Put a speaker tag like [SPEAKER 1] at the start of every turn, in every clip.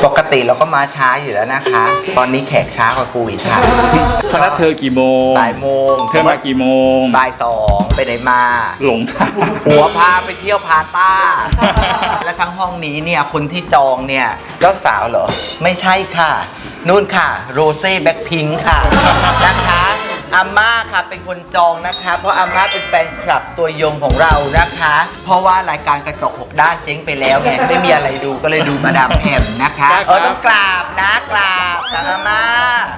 [SPEAKER 1] ปกติเราก็มาช้าอยู่แล้วนะคะ ตอนนี้แขกช้ากว่ากูอีกค่ะ
[SPEAKER 2] เขานัดเธอกี่โมง
[SPEAKER 1] บ่ายโมง
[SPEAKER 2] เธอมากี่โมง
[SPEAKER 1] บ่ายสองไปไหนมา
[SPEAKER 2] หลงทาง
[SPEAKER 1] หัวพาไปเที่ยวพาต้า และทั้งห้องนี้เนี่ยคนที่จองเนี่ยเจ้าสาวเหรอ ไม่ใช่ค่ะ นู่นค่ะโรเซ่แบ็คพิงค์ค่ะ นะคะอาม่าค่ะเป็นคนจองนะคะ เพราะอาม่าเป็นแฟนคลับตัวยงของเรานะคะ เพราะว่ารายการกระจก6 ด้านเจ๊งไปแล้วไงไม่มีอะไรดูก็เลยดูมาดามแพมนะคะต้องกราบนะกราบอาม่า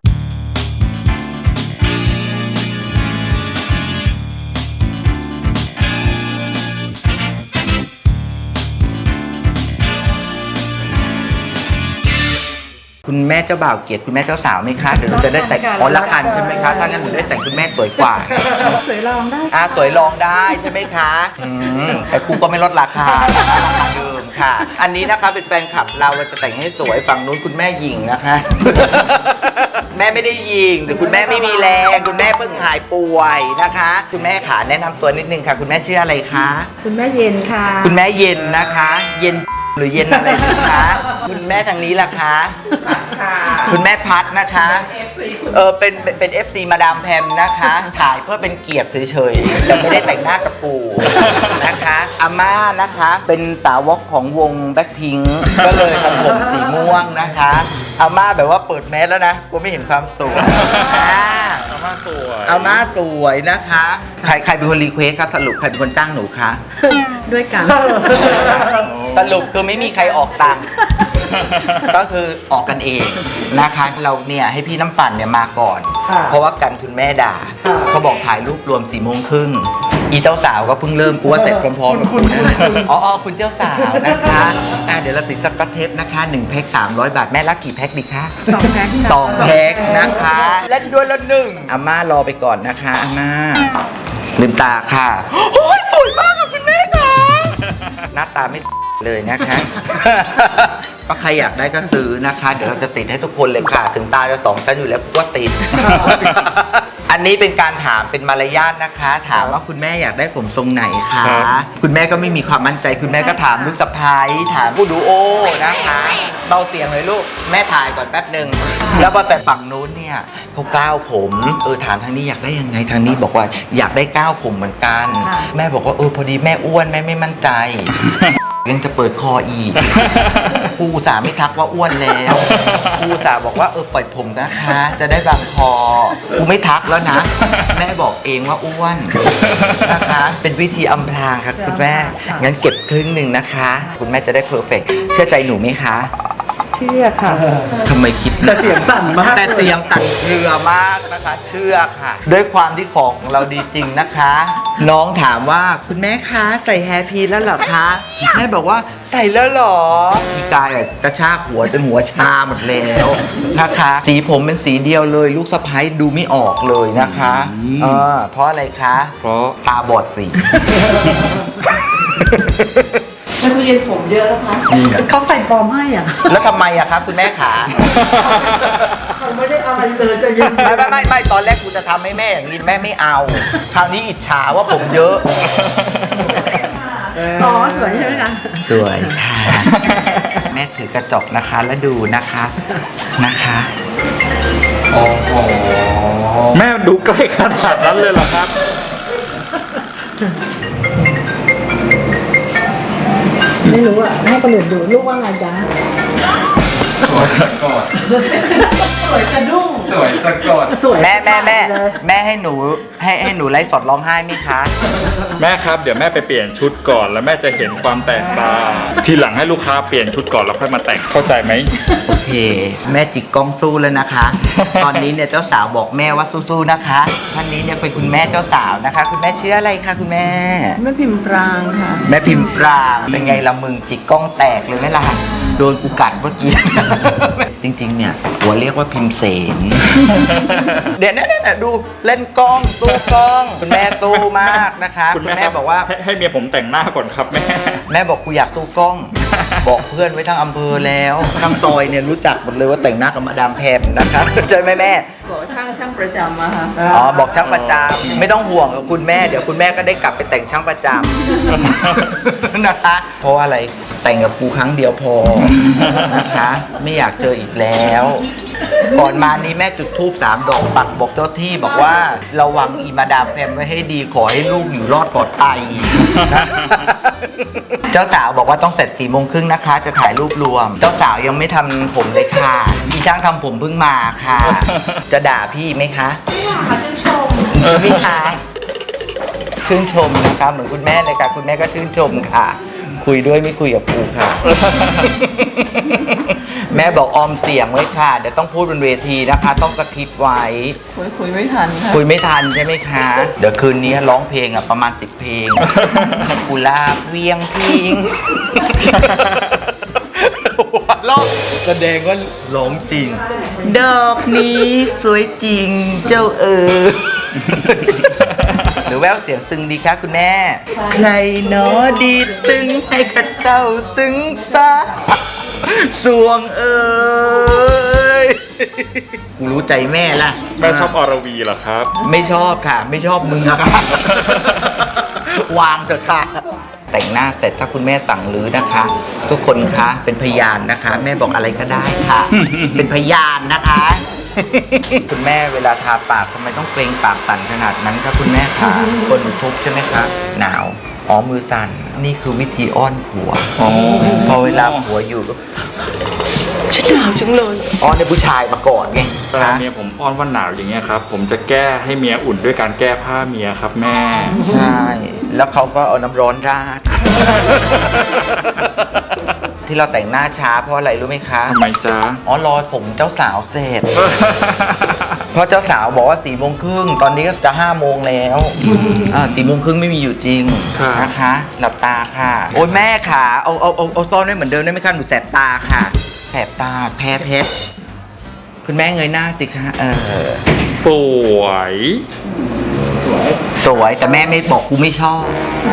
[SPEAKER 1] คุณแม่เจ้าบ่าวเกลียดคุณแม่เจ้าสาวไหมคะเดี๋ยวหนูจะได้แต่งอ๋อรักกันใช่ไหมคะถ้างั้นหนูได้แต่งคุณแม่สวยกว่า
[SPEAKER 3] สวยลองได้
[SPEAKER 1] สวยลองได้ใช่ไหมคะแต่กูก็ไม่ลดราคาราคาเดิมค่ะ อันนี้นะคะเป็นแฟนคลับเราจะแต่งให้สวยฝั่งนู้นคุณแม่หญิงนะคะ แม่ไม่ได้ยิงหรือคุณแม่ไม่มีแรงคุณแม่เพิ่งหายป่วยนะคะ คุณแม่ขาแนะนำตัวนิดนึงค่ะ คุณแม่ชื่ออะไรคะ
[SPEAKER 3] คุณแม่เย็นค่ะ
[SPEAKER 1] คุณแม่เย็นนะคะ เย็นหรือเย็นอะไรคะ คุณแม่ทางนี้ล่ะคะคุณแม่พัดนะคะเป็น FC มาดามแพมนะคะถ่ายเพื่อเป็นเกียรติเฉยๆแต่ไม่ได้แต่งหน้ากับปู่นะคะอาม่านะคะเป็นสาวกของวงแบ็คพิงค์ก็เลยทำผมสีม่วงนะคะอาม่าแบบว่าเปิดแมสแล้วนะกูไม่เห็นความสวย
[SPEAKER 2] อาม่าสวย
[SPEAKER 1] อาม่าสวยนะคะใครเป็นคนรีเควสคะสรุปใครเป็นคนจ้างหนูคะ
[SPEAKER 3] ด้วยกัน
[SPEAKER 1] สรุปคือไม่มีใครออกตังค์ ก็คือออกกันเองนะคะ เราเนี่ยให้พี่น้ำปั่นเนี่ยมาก่อน เพราะว่ากันคุณแม่ด่าเขาบอกถ่ายรูปรวม4:30อีเจ้าสาวก็เพิ่งเริ่มกูว่าเสร็จพร้อมๆกับคุณอ๋อคุณเจ้าสาวนะคะเดี๋ยวเราติดสก๊อตเทปนะคะ1 แพ็ค300 บาทแม่รับกี่แพ็คดีคะ
[SPEAKER 3] 2 แพ็ค
[SPEAKER 1] 2 แพ็คนะคะเล่นด้วยละ1อาม่ารอไปก่อนนะคะอาม่าลืมตาค่ะโอ้ยสวยมากค่ะคุณแม่ค่ะหน้าตาไม่เลยนะคะก็ใครอยากได้ก็ซื้อนะคะ เดี๋ยวเราจะติดให้ทุกคนเลยค่ะ ถึงตาจะ2 ชั้นอยู่แล้วก็ติด อันนี้เป็นการถามเป็นมารยาทนะคะ ถามว่าคุณแม่อยากได้ผมทรงไหนคะคุณแม่ก็ไม่มีความมั่นใจคุณแม่ก็ถามลูกสะใภ้ถามผู้ดูโอนะคะเบาเสียงเลยลูกแม่ถ่ายก่อนแป๊บหนึ่งแล้วพอแต่ฝั่งนู้นเนี่ยเขาก้าวผมถามทางนี้อยากได้ยังไงทางนี้บอกว่าอยากได้ก้าวผมเหมือนกันแม่บอกว่าพอดีแม่อ้วนแม่ไม่มั่นใจยังจะเปิดคออีกครูสาไม่ทักว่าอ้วนแล้วครูสาบอกว่าปล่อยผมนะคะ จะได้บางคอกูไม่ทักแล้วนะ แม่บอกเองว่าอ้วนนะคะ เป็นวิธีอำพรางค่ะคุณแม่งั้นเก็บครึ่งหนึ่งนะคะ คุณแม่จะได้เพอร์เฟกต์เชื่อใจหนูไหมคะ
[SPEAKER 3] เชื่อค่ะ
[SPEAKER 1] ทำไมคิด
[SPEAKER 4] แต่เสียงสั่นมาก
[SPEAKER 1] แต่เสียงตัดเรือมากนะคะ เชื่อค่ะ ด้วยความที่ของเราดีจริงนะคะ น้องถามว่าคุณแม่คะใส่แฮร์พีแล้วเหรอคะแม่บอกว่าใส่แล้วเหรอพี่กายกระชากหัวจนหัวชาหมดแล้วนะคะสีผมเป็นสีเดียวเลยลูกสะใภ้ดูไม่ออกเลยนะคะเพราะอะไรคะ
[SPEAKER 2] เพราะ
[SPEAKER 1] ตาบอดสี
[SPEAKER 3] แล้วคุณเย็นผมเยอะแล้วคะ
[SPEAKER 2] นี่ไง
[SPEAKER 3] เขาใส่ปลอมให้อ่ะ
[SPEAKER 1] แล้วทำไมอะคะคุณแม่ขา
[SPEAKER 4] เขาไม่ได้อะไรเลยจะยืน
[SPEAKER 1] ไม่ตอนแรกกูจะทำให้แม่อย่างนี้แม่ไม่เอา คราวนี้อิจฉาว่าผมเยอะ
[SPEAKER 3] อ๋อสวยใช่ไหมคะ
[SPEAKER 1] สวยค่ะ แม่ถือกระจกนะคะแล้วดูนะคะนะคะ
[SPEAKER 2] โอ้โหแม่ดูใกล้ขนาดนั้นเลยเหรอครับ
[SPEAKER 3] ไม่รู้อ่ะให้คนอื่นดูลูกว่าไงจ๊ะ
[SPEAKER 2] สวยสะกด
[SPEAKER 3] สวยสะดุ้ง
[SPEAKER 2] สวยสะกด
[SPEAKER 3] สวย
[SPEAKER 1] แม่ให้หนูไลฟ์สดร้องไห้ไหมคะ
[SPEAKER 2] แม่ครับเดี๋ยวแม่ไปเปลี่ยนชุดก่อนแล้วแม่จะเห็นความแตกต่างทีหลังให้ลูกค้าเปลี่ยนชุดก่อนแล้วค่อยมาแต่งเข้าใจไหม
[SPEAKER 1] โอเค แม่จิกกล้องสู้แล้วนะคะ ตอนนี้เนี่ยเจ้าสาวบอกแม่ว่าสู้ๆนะคะท่านนี้เนี่ยเป็นคุณแม่เจ้าสาวนะคะ คุณแม่ชื่ออะไรคะคุณแม่
[SPEAKER 3] แม่พิมพ์ปรางค่ะ
[SPEAKER 1] แม่พิมพ์ปรางเป็นไงละมึงจิกกล้องแตกเลยไหมล่ะโดนกูกัดเมื่อกี้ จริงๆเนี่ยหัวเรียกว่าพิมพ์เสน เดี๋ยวนะดูเล่นกล้องสู้กล้องคุณแม่สู้มากนะคะคุณแม่บอกว่า
[SPEAKER 2] ให้เมียผมแต่งหน้าก่อนครับแม่
[SPEAKER 1] แม่บอกกูอยากสู้กล้อง บอกเพื่อนไว้ทั้งอำเภอแล้วทั้งซอยเนี่ยรู้จักหมดเลยว่าแต่งหน้ากับมาดามแพมนะคะใช่ไหมแม่
[SPEAKER 3] บอกช่างประจำมาค่ะ
[SPEAKER 1] อ๋อบอกช่างประจำไม่ต้องห่วงกับคุณแม่เดี๋ยวคุณแม่ก็ได้กลับไปแต่งช่างประจำ นะคะ เพราะว่าอะไรแต่งกับกูครั้งเดียวพอนะคะ ไม่อยากเจออีกแล้ว ก่อนมานี้แม่จุดธูป3 ดอกปักบอกเจ้าที่บอกว่าระวังอีมาดามแพมไว้ให้ดีขอให้ลูกอยู่รอดปลอดภัยนะ เจ้าสาวบอกว่าต้องเสร็จ4 โมงครึ่งนะคะ จะถ่ายรูปรวม เจ้าสาวยังไม่ทำผมเลยค่ะอีช่างทำผมเพิ่งมาค่ะ จะด่าพี่ไหมคะไม่ชื่นชมใช่ไหมคะชื่นชมนะคะเหมือนคุณแม่เลยค่ะ คุณแม่ก็ชื่นชมค่ะ คุยด้วยไม่คุยกับครูค่ะ แม่บอกออมเสียงไว้ค่ะ เดี๋ยวต้องพูดบนเวทีนะคะ ต้องสคริปต์ไว้
[SPEAKER 3] คุยไม่ทันค่ะ
[SPEAKER 1] คุยไม่ทันใช่ไหมคะ เดี๋ยวคืนนี้ร้องเพลงประมาณ10 เพลง กุหลาบเวียงพิงหัวเราะแสดงว่าร้องจริง ดอกนี้สวยจริงเจ้าหรือแววเสียงซึ้งดีคะคุณแม่ ใครหนอดีดตึงให้ข้าเจ้าซึ้งซะสวงเอ้ยกูรู้ใจแม่ละ
[SPEAKER 2] แม่ชอบอรวีเหรอครับ
[SPEAKER 1] ไม่ชอบค่ะ ไม่ชอบมึงอะค่ะ วางเถอะค่ะ แต่งหน้าเสร็จถ้าคุณแม่สั่งรื้อนะคะ ทุกคนคะเป็นพยานนะคะ แม่บอกอะไรก็ได้ค่ะ เป็นพยานนะคะ คุณแม่เวลาทาปากทำไมต้องเกรงปากสั่นขนาดนั้นคะคุณแม่คะคนทุกข์ใช่ไหมคะหนาวอ๋อมือสั่นนี่คือวิธีอ้อนผัวพอเวลาผัวอยู่ฉันหนาวจังเลยอ้อนในผู้ชายมาก่อนไง
[SPEAKER 2] เวลาเมียผมอ้อนว่าหนาวอย่างเงี้ยครับ ผมจะแก้ให้เมียอุ่นด้วยการแก้ผ้าเมียครับแม่
[SPEAKER 1] ใช่ แล้วเขาก็เอาน้ำร้อนราด ที่เราแต่งหน้าช้าเพราะอะไรรู้ไหมคะ
[SPEAKER 2] ทำไมจ๊ะ
[SPEAKER 1] อ๋อรอผมเจ้าสาวเสร็จ เพราะเจ้าสาวบอกว่า4 โมงครึ่งตอนนี้ก็จะ5 โมงแล้ว4 โมงครึ่งไม่มีอยู่จริง
[SPEAKER 2] ค่ะ
[SPEAKER 1] นะคะ หลับตาค่ะ โอ้ยแม่ขาเอาซ่อนไว้เหมือนเดิมได้ไหมคะหนูแสบตาค่ะ แสบตาแพ้เพชรคุณแม่เงยหน้าสิคะ
[SPEAKER 2] สวย
[SPEAKER 1] สวยแต่แม่ไม่บอกกูไม่ชอบ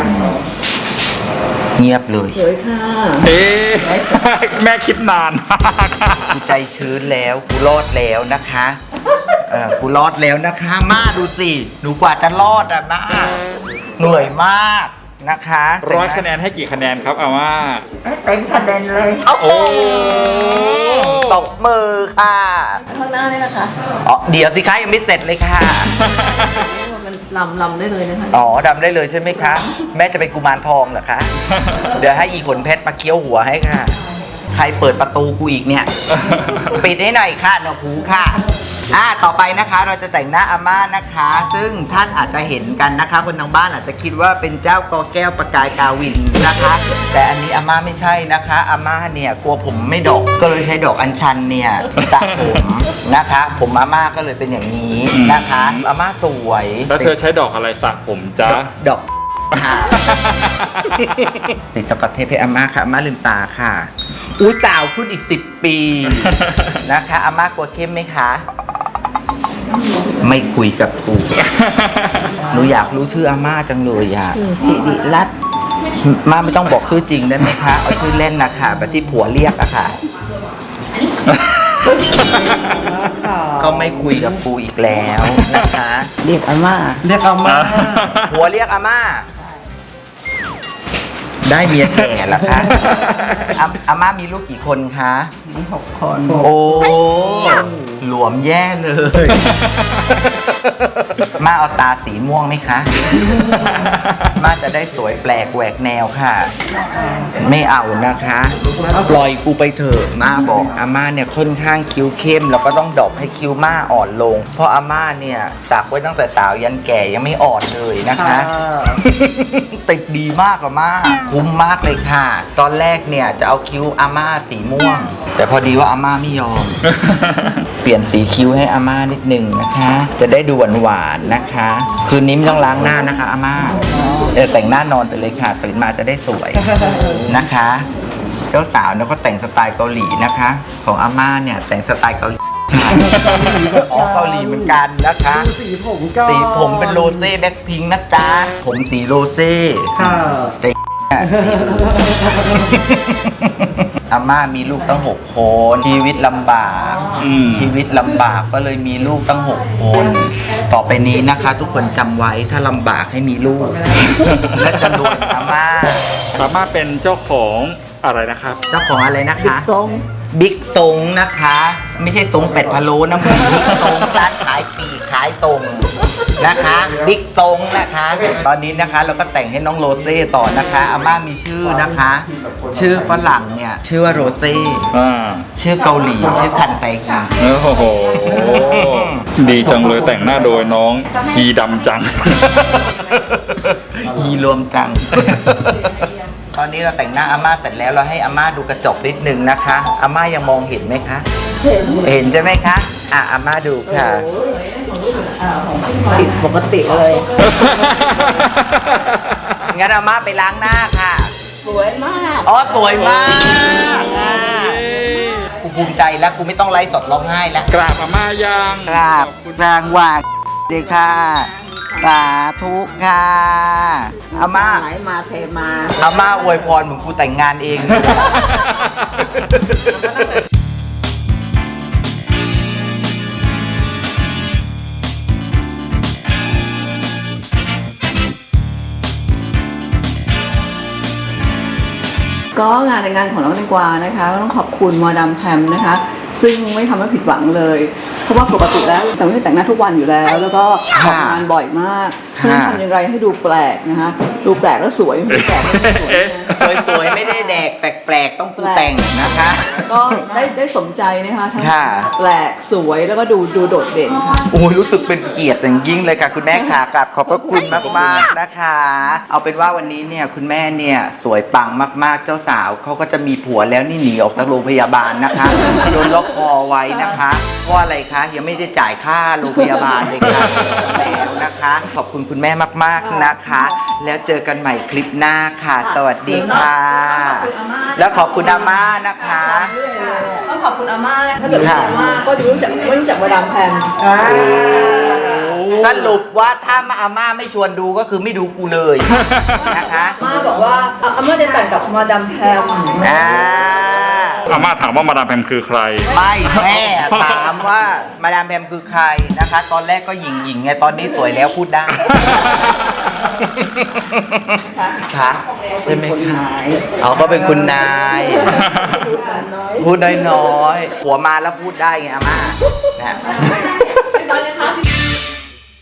[SPEAKER 1] เงียบเลย
[SPEAKER 3] สวยค่ะ
[SPEAKER 2] เอ๊ะ แม่คิดนานมาก
[SPEAKER 1] กูใจชื้นแล้วกูรอดแล้วนะคะกูรอดแล้วนะคะม่าดูสิหนูกว่าจะรอดอะม่าเหนื่อยมากนะคะ
[SPEAKER 2] 100 คะแนนให้กี่คะแนนครับอาม่า
[SPEAKER 3] เต็มคะแนนเลย
[SPEAKER 1] โอ้โหตบมือค่ะ
[SPEAKER 3] ข้างหน้านี่นะคะ
[SPEAKER 1] อ๋อเดี๋ยวสิคะยังไม่เสร็จเลยค่ะ
[SPEAKER 3] มันลำได้เลยนะคะ
[SPEAKER 1] อ๋อดำได้เลยใช่ไหมคะ แม่จะเป็นกุมารทองเหรอคะ เดี๋ยวให้อีขนเพชรมาเคี้ยวหัวให้ค่ะ ใครเปิดประตูกูอีกเนี่ย ปิดให้หน่อยค่ะหนวกหูค่ะต่อไปนะคะเราจะแต่งหน้าอาม่านะคะ ซึ่งท่านอาจจะเห็นกันนะคะ คนทางบ้านอาจจะคิดว่าเป็นเจ้ากอแก้วประกายกาวินนะคะ แต่อันนี้อาม่าไม่ใช่นะคะอาม่าเนี่ยกลัวผมไม่ดกก็เลยใช้ดอกอัญชันเนี่ยสระผมนะคะ ผมอาม่าก็เลยเป็นอย่างนี้นะคะอาม่าสวย
[SPEAKER 2] แล้วเธอใช้ดอกอะไรสระผมจ๊ะ
[SPEAKER 1] ดอกค่ะ ติดสกอตเทปให้อาม่าค่ะอาม่าลืมตาค่ะอู้สาวขึ้นอีก10 ปีนะคะอาม่ากลัวเข้มไหมคะ ไม่คุยกับกูหนูอยากรู้ชื่ออาม่าจังเลยอะ
[SPEAKER 3] สิริรัตน์
[SPEAKER 1] ม่าไม่ต้องบอกชื่อจริงได้ไหมคะเอาชื่อเล่นนะคะแบบที่ผัวเรียกอะค่ะ ก็ไม่คุยกับกูอีกแล้วนะคะ
[SPEAKER 3] เรียกอาม่า
[SPEAKER 4] เรียกเอามา
[SPEAKER 1] ผัวเรียกอาม่า ได้เมียแก่เหรอคะอาม่ามีลูกกี่คนคะ
[SPEAKER 3] มี6 คน
[SPEAKER 1] โอ้หลวมแย่เลย มาเอาตาสีม่วงไหมคะ มาจะได้สวยแปลกแหวกแนวค่ะ ไม่เอานะคะ ปล่อยกูไปเถอะมาบอกอาม่าเนี่ยค่อนข้างคิ้วเข้มแล้วก็ต้องดรอปให้คิ้วม่าอ่อนลง เพราะอาม่าเนี่ยสักไว้ตั้งแต่สาวยันแก่ยังไม่อ่อนเลยนะคะ ติดดีมากอะม่าคุ้มมากเลยค่ะ ตอนแรกเนี่ยจะเอาคิ้วอาม่าสีม่วง แต่พอดีว่าอาม่าไม่ยอม เปลี่ยนสีคิ้วให้อาม่านิดหนึ่งนะคะ จะได้ดูหวานๆนะคะ คืนนี้ไม่ต้องล้างหน้านะคะอาม่าแต่งหน้านอนไปเลยค่ะตื่นมาจะได้สวยนะคะ เจ้าสาวเนี่ยเขาแต่งสไตล์เกาหลีนะคะ ของอาม่าเนี่ยแต่งสไตล์เกาหลีค่ะอ๋อเกาหลีเหมือนกันนะคะ
[SPEAKER 4] สีผมก็
[SPEAKER 1] สีผมเป็นโรเซ่แบ็คพิงค์นะจ๊ะผมสีโรเซ่
[SPEAKER 4] ค่ะ
[SPEAKER 1] แต่อาม่ามีลูกตั้ง6 คนชีวิตลำบาก ชีวิตลำบากก็เลยมีลูกตั้ง6 คน ต่อไปนี้นะคะ ทุกคนจำไว้ถ้าลำบากให้มีลูก และจะรวยอาม่า
[SPEAKER 2] อาม่าเป็นเจ้าของอะไรนะครับ
[SPEAKER 1] เจ้าของอะไรนะคะ
[SPEAKER 3] ทรง
[SPEAKER 1] บิ๊กซงนะคะ ไม่ใช่ซงเป็ดพะโล้นะมึงบิ๊กซงร้านขายปีกขายตรงนะคะบิ๊กซงนะคะ ตอนนี้นะคะเราก็แต่งให้น้องโรเซ่ต่อนะคะอาม่ามีชื่อนะคะ ชื่อฝรั่งเนี่ยชื่อว่าโรเซ่ ชื่อเกาหลีชื่อคันไตคิง
[SPEAKER 2] โอ้โห ดีจังเลยแต่งหน้าโดยน้องฮีดำจัง
[SPEAKER 1] อีรวมจัง ตอนนี้เราแต่งหน้าอาม่าเสร็จแล้วเราให้อาม่าดูกระจกนิดนึงนะคะอาม่ายังมองเห็นไหมคะ เห็นใช่ไหมคะอาม่าดูค่ะ
[SPEAKER 3] ผิดปกติเลย
[SPEAKER 1] งั้นอาม่าไปล้างหน้าค่ะ
[SPEAKER 3] สวยมาก
[SPEAKER 1] อ๋อสวยมากกูภูมิใจแล้วกูไม่ต้องไลฟ์สดร้องไห้แล้ว
[SPEAKER 2] กราบอาม่ายัง
[SPEAKER 1] กราบรางวาดีค่ะสาธุค่ะอาม่า
[SPEAKER 3] ไหลมาเทมา
[SPEAKER 1] อาม่าอวยพรเหมือนกูแต่งงานเอง
[SPEAKER 3] ก็งานแต่งงานของน้องแตงกวานะคะก็ต้องขอบคุณมาดามแพมนะคะ ซึ่งไม่ทำให้ผิดหวังเลย เพราะว่าปกติแล้วแต่ไม่ได้แต่งหน้าทุกวันอยู่แล้ว แล้วก็ออกงานบ่อยมากเพราะฉะนั้นทำอย่างไรให้ดูแปลกนะคะดูแปลกแล้วสวยไม่แปลกแล้วสวย
[SPEAKER 1] สวยๆไม่ได้แดกแปลกๆต้องกูแต่งนะคะ
[SPEAKER 3] ก็ได้สมใจนะคะทั้ง
[SPEAKER 1] ค่ะ
[SPEAKER 3] แปลกสวยแล้วก็ดูโดดเด่นค่ะ
[SPEAKER 1] โอ้ยรู้สึกเป็นเกียรติอย่างยิ่งเลยค่ะคุณแม่ค่ะกราบขอบพระคุณมากๆนะคะ เอาเป็นว่าวันนี้เนี่ยคุณแม่เนี่ยสวยปังมากๆเจ้าสาวเขาก็จะมีผัวแล้วนี่หนีออกจากโรงพยาบาลนะคะโดนล็อกคอไว้นะคะเพราะอะไรคะยังไม่ได้จ่ายค่าโรงพยาบาลเลยค่ะแล้วนะคะ ขอบคุณคุณแม่มากๆนะคะ แล้วเจอกันใหม่คลิปหน้าค่ะ สวัสดีค่ะ แล้วขอบคุณอาม่านะคะ
[SPEAKER 3] ต้องขอบคุณอาม่าถ้าเกิดอาม่าก็จะไม่รู้จักมาดามแพม
[SPEAKER 1] สรุปว่าถ้าอาม่าไม่ชวนดูก็คือไม่ดูกูเลยนะคะ
[SPEAKER 3] อาม่าบอกว่าอาม่าจะแต่งกับมาดามแพม
[SPEAKER 2] อาม่าถามว่ามาดามแพมคือใคร
[SPEAKER 1] ไม่แม่ถามว่ามาดามแพมคือใครนะคะ ตอนแรกก็หญิงไงตอนนี้สวยแล้วพูดได้ค่ะใช่ไหมคะเขาก็เป็นคุณนาย พูดน้อยๆหัวมาแล้วพูดได้ไงอาม่านะ